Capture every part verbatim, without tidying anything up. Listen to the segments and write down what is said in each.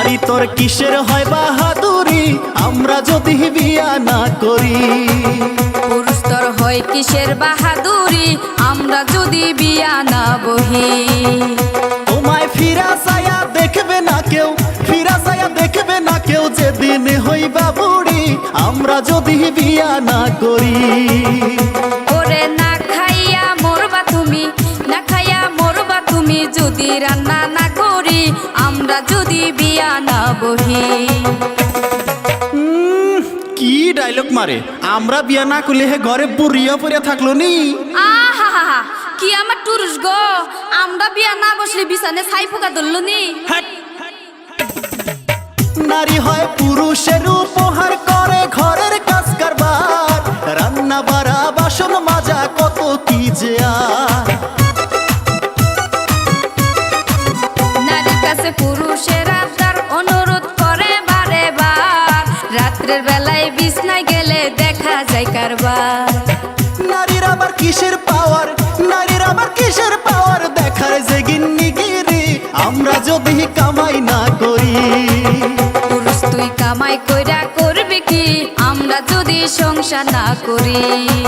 নারী তোর কিসের হয় বাহাদুরি আমরা যদি বিয়া না করি? পুরুষ তোর হয় কিসের বাহাদুরি আমরা যদি বিয়া না বহি? তোমায় ফিরা চায়া দেখবে না কেউ, ফিরা চায়া দেখবে না কেউ, যেদিন হইবা বুড়ি আমরা যদি বিয়া না করি। ওরে না খাইয়া মরবা তুমি, না খাইয়া মরবা তুমি যদি রান্না না করি আমরা যদি বিয়া না বহি। উম, কি ডায়লগ মারে! আমরা বিয়া না করলে হে ঘরে বুড়িয়া পড়িয়া থাকলো নি। আহা কি আমার টুরুস গো, আমরা বিয়া না বসলে বিছানে ছাই পোকা ধরলো নি। নারী হয় পুরুষের উপহার, করে ঘরের কাজ কারবার, রান্না বাড়া বাসন মাজা কত কি যে আর। নারীর কাছে পুরুষের আবদার অনুরোধ করে বারে বার, রাত্রের বেলায় বিছনায় গেলে দেখা যায় কারবার। নারীর আবার কিসের পাওয়ার, নারীর আবার কিসের পাওয়ার, দেখার যে গিন্নিগিরি আমরা যদি কামাই না করি। পুরুষ তুই কামাই কইরা করবি কি আমরা যদি সংসার না করি?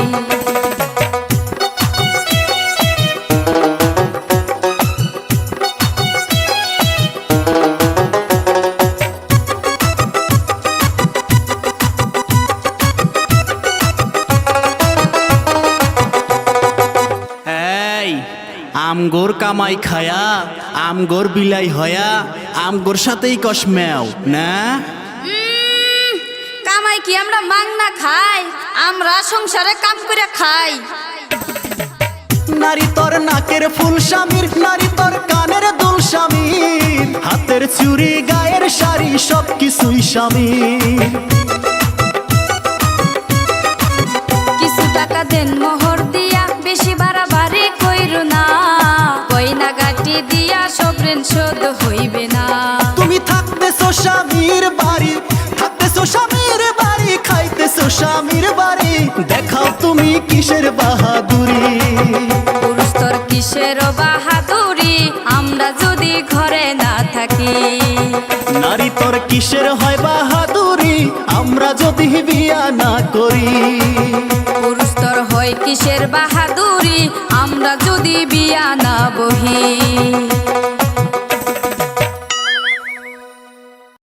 এই আমগোর কামাই খায়া আমগোর বিলাই হয়া আমগোর সাথেই কস মেও না। উম, কামাই কি আমরা মাংনা খাই? আমরা সংসারে কাম করে খাই। নারী তোর নাকের ফুল স্বামীর, নারী তোর কানের দুল স্বামীর, হাতের চুড়ি গায়ের শাড়ি সব কিছুই স্বামীর। কিছু টাকা দেন মোহর দিয়া, বেশি বাড়াবাড়ি কইরো না, কইনা গাটি দিয়া সব ঋণ শোধ হইবে না। তুমি থাকতেছো স্বামীর বাড়ি, থাকতেছো স্বামীর বাড়ি, খাইতেছো স্বামীর বাড়ি, দেখাও তুমি কিসের বাহাদুরি। পুরুষ তোর কিসের বাহাদুরি আমরা যদি ঘরে না থাকি? নারী তোর কিসের হয় বাহাদুরি আমরা যদি বিয়া না করি? পুরুষ তোর হয় কিসের বাহাদুরি আমরা যদি বিয়া না বহি?